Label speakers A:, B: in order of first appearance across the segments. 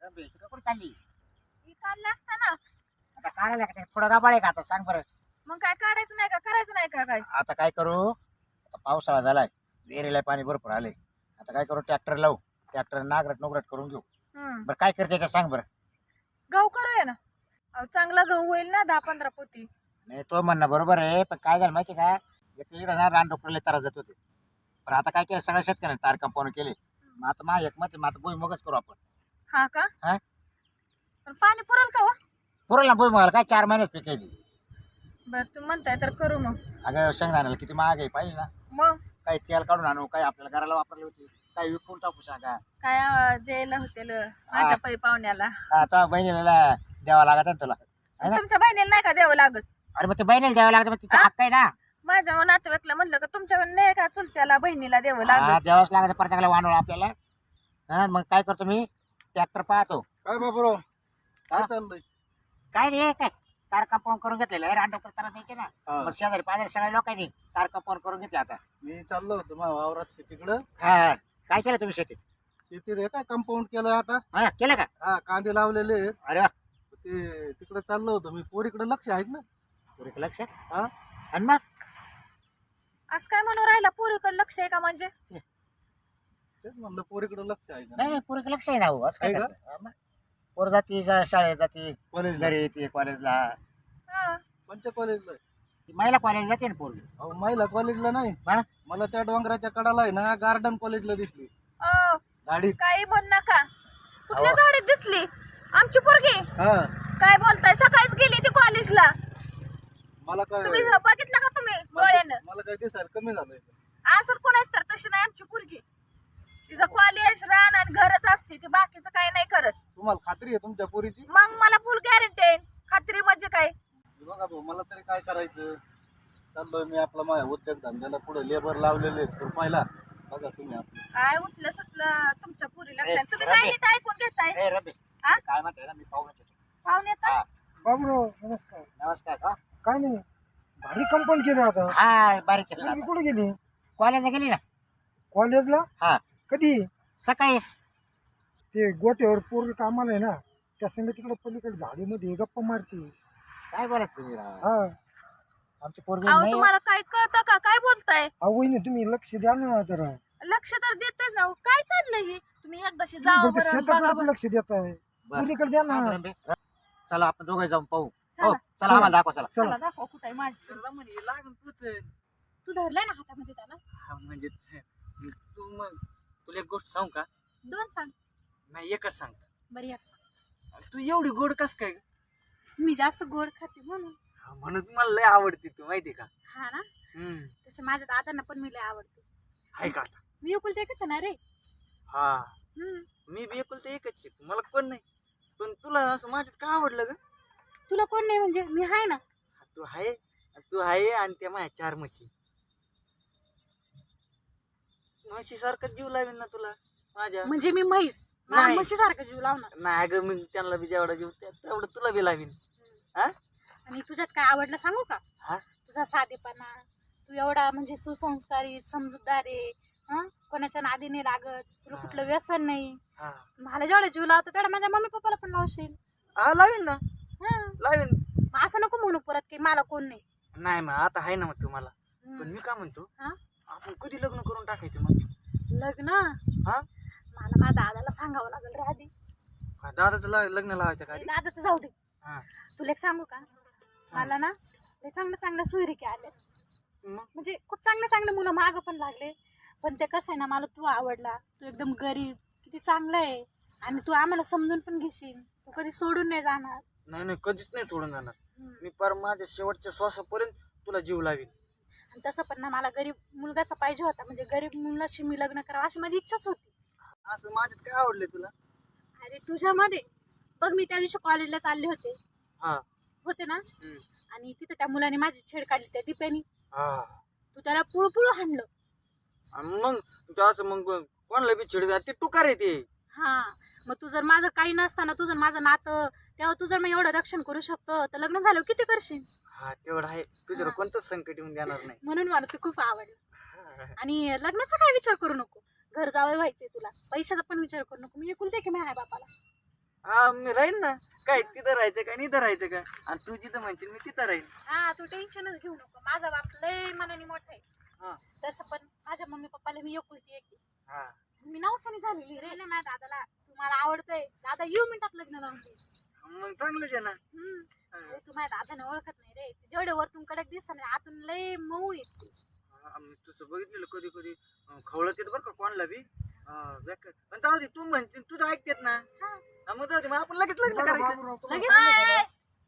A: कुठे चालली?
B: हे काढलं असतं ना.
A: आता काढायला का थोडं गबाळ आहे का आता सांग बरं.
B: मग काय काढायचं नाही का करायचं नाही का काय?
A: आता काय करू? आता पावसाळा झालाय, विहिरीला पाणी भरपूर आले. आता काय करू? ट्रॅक्टर लावू, ट्रॅक्टर नागरट नोगरट करून घेऊ. बरं काय करते का सांग बरं.
B: गहू करूया ना. अहो, चांगला गहू होईल ना 10-15 पोती.
A: नाही तो म्हणणं बरोबर आहे, पण काय झालं माहिती का, इकडे ना रानडुकरले त्रास देत होते. पण आता काय केलं, सगळ्या शेतकऱ्यांनी तार कंपाऊंड केले. मग आता माझ्या एक मत, मग आता भुईमुगच करू आपण.
B: हा का?
A: हा
B: पण पाणी पुरेल का हो?
A: पुरेल ना भुईमुगाला, काय 4 महिन्यात पिकायची.
B: बर तुम्ही म्हणताय तर करू मग.
A: अगं शेंगदाण्याला किती महाग आहे पाहिजे ना.
B: मग
A: काही तेल काढून आणू, काही आपल्याला घराला वापरली होती, काही विकून टाकू सांगा.
B: काय द्यायला होतेल माझ्या पै पाहुण्याला.
A: आता बहिणीला द्यावा लागत ना तुला, है ना?
B: तुमच्या बहिणीला नाही का द्यावं लागत?
A: अरे मग ते बहिणीला द्यावं लागतं, मग तिचा हक्क आहे ना.
B: माझ्या नातेवाईकला म्हणलं का तुमच्या नाही का चुलत्याला बहिणीला द्यावं
A: हा,
B: लागत?
A: द्यावंच लागतं प्रत्येकाला वानवळ आपल्याला. हा मग काय करतो मी, ट्रॅक्टर पाहतो.
C: काय बाबरो काय चाललंय?
A: काय रे, काय तार कंपाऊंड करून घेतलेलं आहे, रानडुकर तारा द्यायचे ना.
C: हा.
A: मग शेजारी पाजारी सगळ्या लोकांनी तार कंपाऊंड करून घेतले आता.
C: मी चाललो होतो माझ्या वावरात शेतीकडं.
A: हा काय केलं तुम्ही शेतीत?
C: शेतीत हे काय कंपाऊंड केलं आता.
A: हा केलं का?
C: हा कांदे लावलेले आहेत.
A: अरे वा,
C: ते तिकडे चाललो होतो मी. पोरीकडे लक्ष आहे ना.
A: पुरेक लक्ष.
C: हा
A: आणि मग
B: असं काय म्हणून राहिला पुरीकडे लक्ष आहे का म्हणजे?
C: तेच म्हणलं पोरीकडे लक्ष आहे का.
A: नाही नाही, पुरेक लक्ष आहे ना हो. असं काय
C: आहे का?
A: करतं? हा, मग. पोर जाती शाळेत जाते,
C: कॉलेज
A: घरी येते कॉलेजला.
B: हा.
C: कोणत्या कॉलेजला आहे?
A: महिला कॉलेज जाते ना पोरगी.
C: अहो महिला कॉलेजला नाही.
A: हा
C: मला त्या डोंगराच्या कडाला आहे ना गार्डन कॉलेजला दिसली
B: अहो,
C: गाडी.
B: काही बोल नका. कुठल्या झाडीत दिसली आमची पोरगी?
C: हा
B: काय बोलताय? सकाळीच गेली ती कॉलेजला.
C: मला काय
B: तुम्ही बघितलं का तुम्ही डोळ्यानं?
C: मला काय दिसायला कमी झालंय.
B: असं कोणाच तर तशी नाही आमची पोरगी. तिचं कॉलेज रान आणि घरच असते, ती बाकीचं काही नाही करत.
C: तुम्हाला खात्री आहे तुमच्या पोरीची?
B: मग मला फुल गॅरंटी आहे. खात्री म्हणजे काय?
C: बघा भाऊ मला तरी काय करायचं. चाललोय मी आपला माझ्या उद्योग धंद्याला पुढे लेबर लावलेले रुपयाला. बघा तुम्ही आपलं
B: काय उठलं सुटलं तुमच्या पुरी लक्षात. तुम्ही
A: रबे.
B: काय नीट ऐकून घेताय?
A: ए रबे,
B: हा?
A: काय म्हणते ना, मी पाहून येतो.
B: पाहुणे तर
A: हा
D: बाबरो नमस्कार.
A: नमस्कार. हा
D: काय नाही, भारी कंपाऊंड केलं आता.
A: हा बारीक केलं
D: मुलगी
A: आता.
D: कुठे गेली?
A: कॉलेजला गेली ना.
D: कॉलेजला?
A: हा
D: कधी?
A: सकाळी.
D: ते गोट्यावर पोरग कामाला आहे ना, त्या संग तिकडे पलीकडे झाडीमध्ये गप्पा मारते.
A: काय बोलत तुम्ही राव?
D: हा
A: आमची पोरगी
B: अहो
A: नाही.
B: तुम्हाला काय कळतं का? काय बोलताय?
D: अहो वहिनी तुम्ही लक्ष द्या ना जरा.
B: लक्ष तर देतोच ना. काय चाललंय हे? तुम्ही एकदाशी
D: तुम्ही
B: जावं
D: फक्त
B: बरं, बघा
D: शेताकडेच
B: बरं.
D: लक्ष देत आहे.
A: बरं.
D: मुलीकडे द्या ना.
A: हा, रबे. चला आपण दोघे जाऊन पाहू.
B: चला.
A: हो चला, आम्हाला दाखवा चला.
D: चला.
B: चला दाखव कुठे माझी.
E: लागून पुचन.
B: तू धरलाय ना हातामध्ये त्याला?
E: म्हणजे तू मग तुला एक गोष्ट सांगू का?
B: 2 सांग.
E: नाही एकच सांगतो.
B: बरी एक सांग.
E: तू एवढी गोड कस काय ग?
B: मी जास्त गोड खाते म्हणून.
E: म्हणून मला लय आवडते तू माहिती का?
B: हा ना.
E: हम्म
B: तसे माझ्या दादांना पण मी लय आवडते.
E: आहे का आता?
B: मी एकुलते एकच आहे ना रे.
E: हा
B: हम्म.
E: मी बी एकुलते एकच आहे. मला कोण नाही. पण तुला असं माझ्यात का आवडलं ग?
B: तुला कोण नाही म्हणजे? मी आहे ना.
E: तू आहे आणि त्या माझ्या 4 म्हशी. म्हशी सारखं जीव लावीन ना तुला माझ्या.
B: म्हणजे मी म्हैस मला
E: नाही.
B: म्हशीसारखं जीव लावणार.
E: नाही ग, मी त्यांना बी जेवढा जीव तेवढं तुला बी लावीन. हा
B: आणि तुझ्यात काय आवडलं सांगू का?
E: हा
B: तुझा साधेपणा. तू एवढा म्हणजे सुसंस्कारी समजूतदार आहे. कोणाच्या नादी नाही लागत. तुला कुठलं व्यसन नाही.
E: हा
B: मला जेवढा जीव लावतो तेवढा माझ्या मम्मी पप्पाला पण लावशील.
E: हा लावीन ना.
B: हा.
E: लावीन.
B: मग असं नको म्हणू परत की मला कोण नाही.
E: नाही मग आता आहे ना मग तुम्हाला.
B: हम्म.
E: पण मी काय म्हणतो,
B: हा?
E: आपण कधी लग्न करून टाकायचं मग?
B: लग्न
E: हा
B: मला माझ्या दादाला सांगावं लागेल रे आधी.
E: दादाचं लग्न लावायचं का आधी?
B: दादाचं जाऊ दे.
E: हा
B: तुला एक सांगू का? मला ना लय चांगल्या चांगल्या सोयरिके आले.
E: मग
B: म्हणजे खूप चांगले चांगले मुलं मागं पण लागले. पण ते कसं आहे ना, मला तू आवडला. तू एकदम गरीब, किती चांगला आहे. आणि तू आम्हाला समजून पण घेशील. तू कधी सोडून नाही जाणार.
E: नाही नाही कधीच नाही सोडून जाणार.
B: हम्म.
E: मी पर माझ्या शेवटच्या श्वासापर्यंत तुला जीव लावीन.
B: आणि तसं पण ना मला गरीब मुलगाचा पाहिजे होता. म्हणजे गरीब मुलाशी मी लग्न करावं अशी माझी इच्छाच होती.
E: असं माझ्यात काय आवडले तुला?
B: अरे तुझ्यामध्ये बघ, मी त्या दिवशी कॉलेजला चालले
E: हा
B: होते ना.
E: हम्म.
B: आणि तिथं त्या मुलाने माझी छेड काढली त्या दिप्यानी.
E: हा
B: तू त्याला पुळपुळ हाणलं.
E: आणि मग तू असं मग कोणाला बी चिड ते टुकार आहे ते.
B: हा. मग तू जर माझं काही नसताना तुझं माझं नातं, तेव्हा तू जर मग एवढं रक्षण करू शकतो तर लग्न झालं किती करशील.
E: हा तेवढं आहे. तुझ्यावर कोणतंच संकट येऊन देणार नाही.
B: म्हणून मला तू खूप आवडलं. आणि लग्नाचा काय विचार करू नको. घर जावं व्हायचंय तुला. पैशाचा पण विचार करू नको. मी एकुलते की माझ्या बापाला.
E: हा मी राहीन ना. काय तिथं राहायचं का आणि इथं राहायचं का? आणि तू जिथं म्हणशील मी तिथं राहीन.
B: हा तू टेन्शनच घेऊ नको, माझा बाप लय मनाने मोठा आहे.
E: हा
B: तसं पण माझ्या मम्मी पप्पाला मी एकुलती एक आहे.
E: हा
B: मी नवसानी झालेली रे ना माझ्या दादाला. तुम्हाला आवडतंय दादा, येऊ मिनिटात लग्न लावून दे.
E: मग चांगलंच आहे ना.
B: अरे तू माझ्या दादाने ओळखत नाही रे, जेवढे वरतून कडक दिसत नाही आतून लय मऊ येते.
E: मी तुझं बघितलेलं कधी कधी खवळत येत बरं का कोणाला बी. बेकार. पण जाऊ दे, तू म्हणशील तुझं ऐकतेत ना. मग जाऊ दे, मग आपण लगेच लग्न करायचं.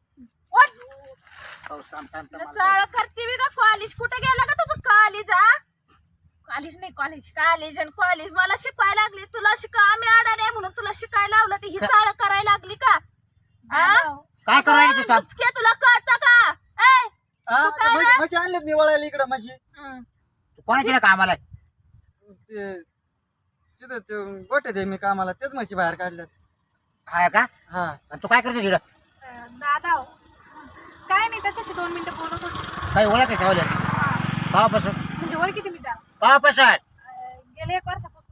F: चाळ करते बी का? कॉलेज कुठे गेला का तुझं? कॉलेज
B: कॉलेज नाही कॉलेज.
F: कॉलेज आणि कॉलेज मला शिकायला लागली. तुला आम्ही अडाणी म्हणून तुला शिकायला लावलं, तर ही चाळ करायला लागली का?
A: काय करू राहिली तू?
F: मुचके तुला कळतं का? ए, तू काय रे?
E: म्हशी आणलेत मी वळायला इकडं म्हशी.
A: तू कोणा केलं कामाला?
E: ते तिथं ते गोठ्यात आहे मी कामाला, तेच म्हशी बाहेर काढल्यात.
A: हा का?
E: हा
A: आणि तू काय करतो तिकडं?
B: दादा हो. काय नाही, त्याच्याशी 2 मिनिटं बोलत होते.
A: काही ओळख आहे ठेवले पावापासून?
B: म्हणजे ओळखी मी त्या
A: पावापासून
B: गेले 1 वर्षापासून.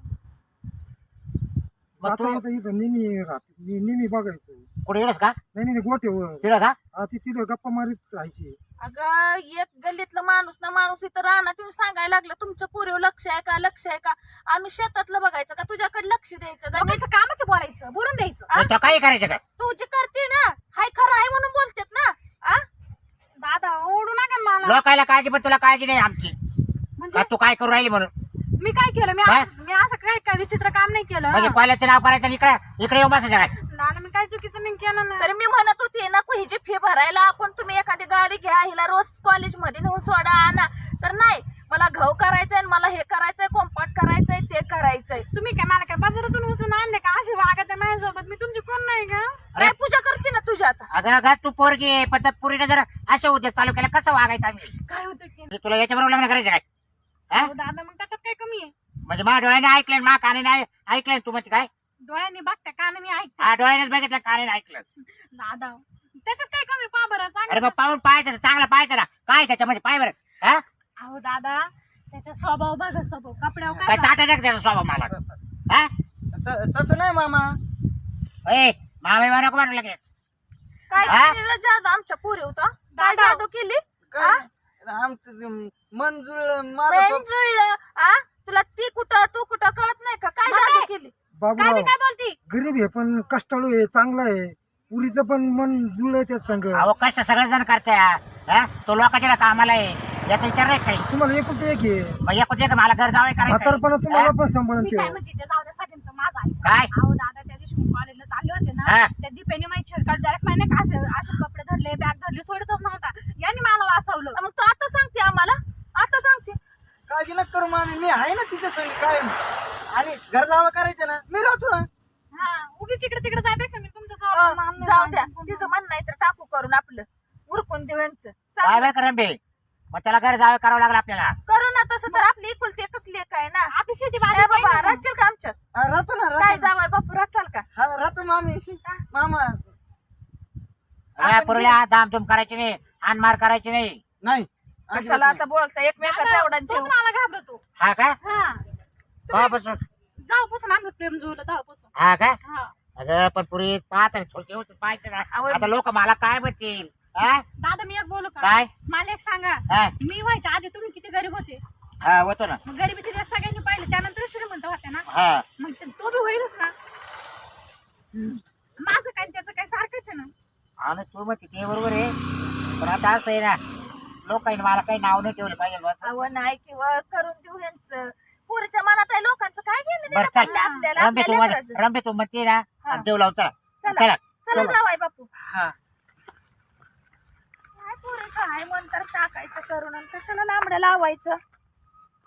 A: मग
D: आता
A: तू
D: आता इथं नेहमी राहते, मी नेहमी बघायचो.
A: कुठे येडस का?
D: नाही नाही, गोठ्यावर
A: तिकडं का?
D: ती तिथं गप्पा मारीत राहायची.
F: अगं एक गल्लीतलं माणूस इथं राहणार येऊन सांगायला लागलं तुमचं पुरेव लक्ष आहे का, लक्ष आहे का? आम्ही शेतातलं बघायचं का तुझ्याकडे लक्ष द्यायचं का?
B: लोकांचं कामाचं बोलायचं, बोलून द्यायचं.
A: मग तो काही करायचं का?
F: तू जी करते ना हाय खरं आहे म्हणून बोलतेत ना.
B: दादा ओढू नका मला.
A: लोकायला काळजी, पण तुला काळजी नाही आमची.
B: म्हणजे
A: का तू काय करू राहिली म्हणून?
B: मी काय केलं?
A: काय?
B: मी असं काय विचित्र काम नाही केलं.
A: म्हणजे कॉलेजचं नाव करायचं आणि इकडे येऊन बसायचं काय?
B: दादा मी काय चुकीचं नाही केलं ना.
F: तर मी म्हणत होती नको हिची फी भरायला आपण तुम्ही एखादी गाडी घ्या, हिला रोज कॉलेज मध्ये नेऊन सोडा आणा. तर नाही, मला घाव करायचंय, मला हे करायचंय, कॉम्पार्ट करायचंय, ते करायचंय.
B: तुम्ही काय मला काय बाजारातून उचलून आणले का? अशी वागत आहे माझ्यासोबत. मी तुमची कोण नाही का?
F: काय पूजा करते ना तुझ्या आता.
A: अगं तू पोरगी आहे, पण त्या पोरीनं जर असे उद्योग चालू केला कसं वागायचं आम्ही?
B: काय होतं की
A: म्हणजे तुला याच्याबरोबर लग्न करायचं काय? हा?
B: अहो दादा मग त्याच्यात काय कमी आहे?
A: म्हणजे माझ्या डोळ्याने ऐकलं, मा कानाने ऐकलं, तू म्हणते काय?
B: डोळ्यांनी बघता कानाने ऐकता.
A: हा, डोळ्यानेच बघितलं, कानाने ऐकलं.
B: दादा त्याच्यात काय कमी? पा बरं सांग.
A: अरे मग पाहून पाहायचं, चांगलं पाहायचं ना. काय त्याच्यामध्ये पाय बरं. हा?
B: अहो दादा त्याचा स्वभाव बघा, स्वभाव कपड्यावर
A: काय
B: काय
A: चाटायचं का त्याचा स्वभाव मला? हा?
E: तसं नाही मामा.
A: ए, मामा नको म्हणू लगेच.
F: काय
A: हा?
F: केलेलं जादू आमच्या पुरे होता? काय
B: दादा.
F: जादू केली?
E: काय आमचं ते मन जुळलं माझं
F: पेन
E: स्वप्न.
F: जुळलं. तुला ती कुठं तू कुठं कळत नाही का? काय
B: मग
F: जादू
B: काय?
F: केली?
B: काय
D: बाबूराव
B: बी काय बोलती?
D: गरीब आहे पण कष्टाळू आहे, चांगला आहे. पुरीचं पण मन जुळलंय त्या संग.
A: अहो कष्ट सगळेजण करते. हा? तो लोकांच्या कामाला आहे, याचा विचार नाही काही.
D: तुम्हाला एकुलते एक आहे.
A: मग एकूण एक मला घर जावं करायचं.
D: म्हातारपणा तुम्हाला पण सांभाळून
B: मी काय
D: ठेवा.
B: म्हणते ते जाऊ द्या, सगळ्यांचं माझं ऐका.
A: काय?
B: अहो दादा त्या दिवशी मी कॉलेजला चालले होते ना,
A: हा.
B: त्या दीपेने माझी छेडकाट डायरेक्ट माहिती का असे कपडे धरले, बॅग धरली, सोडतच नव्हता. यांनी मला वाचवलं.
F: मग तू आता सांगते आम्हाला? आता सांगते
E: काळजी नका करू मामी, मी आहे ना तिच्या संग काय. आणि घर जावं करायचं ना, मी राहतो ना.
B: हा उगीच इकडे तिकडे जायपेक्षा मी तुमच्या जवळ मानलं
F: जाऊ द्या,
B: नाही.
F: तिचं म्हणणं नाही तर टाकू करून आपलं उरकून देऊ यांचं.
A: काय बरं करा बे, मग त्याला घर जावं करावं लागलं आपल्याला.
F: करू ना तसं, तर आपली एकुलती एकच लेक आहे ना.
B: आपली शेती
F: ए
B: बाजू
F: बाबा राहशील का आमच्यात?
E: हा, राहतो ना
F: काय
E: राहतो ना.
F: जावाय बापू राहचाल का?
E: हा, राहतो मामी. मामा
A: पुरीला धामधूम करायची नाही, हानमार करायची नाही.
E: नाही
F: कशाला आता बोलता एकमेकाचा एवढा जीव.
B: मला घाबरतो.
A: हा का?
B: हा
A: तेव्हापासून
B: जाऊपासून आमचं प्रेम जुळलं तेव्हापासून.
A: हा का?
B: हा
A: अगं पण पुरी पाहत थोडस व्यवस्थित पाहायचं ना.
F: आवड-
A: आता लोक मला काय म्हणतील? हा?
B: दादा मी एक बोलू का?
A: काय?
B: मला एक सांगा,
A: हा?
B: मी व्हायच्या आधी तुम्ही किती गरीब होते?
A: हा होतो ना.
B: मग गरिबीचे दिवस सगळ्यांनी पाहिले, त्यानंतर श्रीमंत होते ना.
A: हा
B: मग तो बी होईलच ना. माझं काय त्याचं काय सारखंच आहे ना.
A: आणि तू मग ते बरोबर आहे, पण आता असं आहे ना, लोकांनी मला काही नाव नाही ठेवलं पाहिजे बस.
F: अहो नाही किंवा करून देऊ ह्यांचं. पुरीच्या मनात आहे लोकांचं काय घेणं
A: बरं
F: देणं
A: चल,
F: पडलं आपल्याला
A: रंबे तू
F: आपल्या लेकराचं.
A: रंबे तू म्हणते ना,
F: हा.
A: आणि देव लावून चला.
F: चला
A: चला
F: चला जावाय बापू.
E: हा.
F: काय पुरे काय म्हणतात टाकायचं करून आणि कशाला लांबड्या लावायचं.